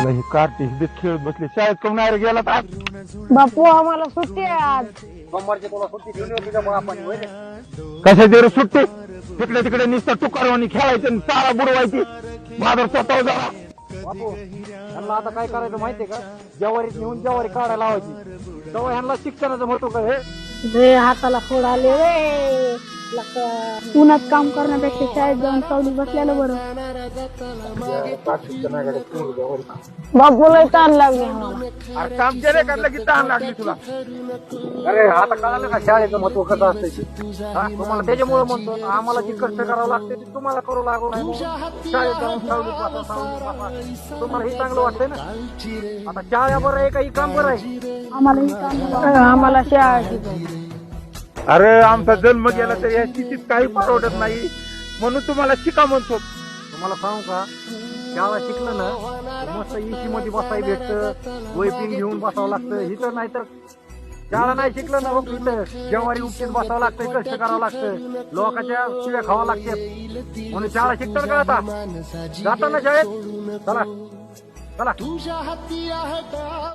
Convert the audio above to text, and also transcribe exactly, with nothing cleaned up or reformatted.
त्याला ही कार्टी ही खेळत बसले शाळेत कोण नाही रे गेला तर आज बापू आम्हाला सुट्टी आहे आज. सोमवारची तुला सुट्टी ठेवली होती का आपण होय रे? कशा दे रे सुट्टी तिकडे तिकडे नुसतं टुकारवानी खेळायचं आणि शाळा बुडवायची बाजार स्वतः जरा बापू ह्यांना आता काय करायचं माहितीये का, ज्वारीत नेऊन ज्वारी काढायला लावायची तेव्हा ह्यांना शिक्षणाचं महत्व काय हे? रे हाताला फोड आले रे. लका- उन्हात काम करण्यापेक्षा शाळेत जाऊन सावलीत बसलेलं बरं. बापूला ताण लागले आम्हाला. अरे काम केले का लगेच तहान लागली तुला अरे आता कळालं का शाळेचं महत्व कसं असतं ते? हा, तुम्हाला त्याच्यामुळे म्हणतो ना, आम्हाला जी कष्ट करावं लागते ते तुम्हाला करू लागू नाही म्हणून. शाळेत जाऊन सावलीत बसा, सावलीत बसा. तुम्हाला हे चांगलं वाटतंय ना. आता शाळा बरं आहे का ही काम बरं आहे? आम्हाला ही काम आम्हाला शाळा शिकवायची. अरे आमचा जन्म गेला तर या स्थितीत काही परवडत नाही म्हणून तुम्हाला शिका म्हणतो. तुम्हाला सांगू का, शाळा शिकलं ना तर मस्त एसी मध्ये बसायला भेटतं, वैपिंग घेऊन बसावं लागतं. इथं नाही तर शाळा नाही शिकलं ना, मग इथं जेवारी उपटीत बसावं लागतं, कष्ट करावं लागतं, लोकांच्या शिव्या खावा लागतात. म्हणून शाळा शिकतात का आता? जाताना शाळेत चला चला.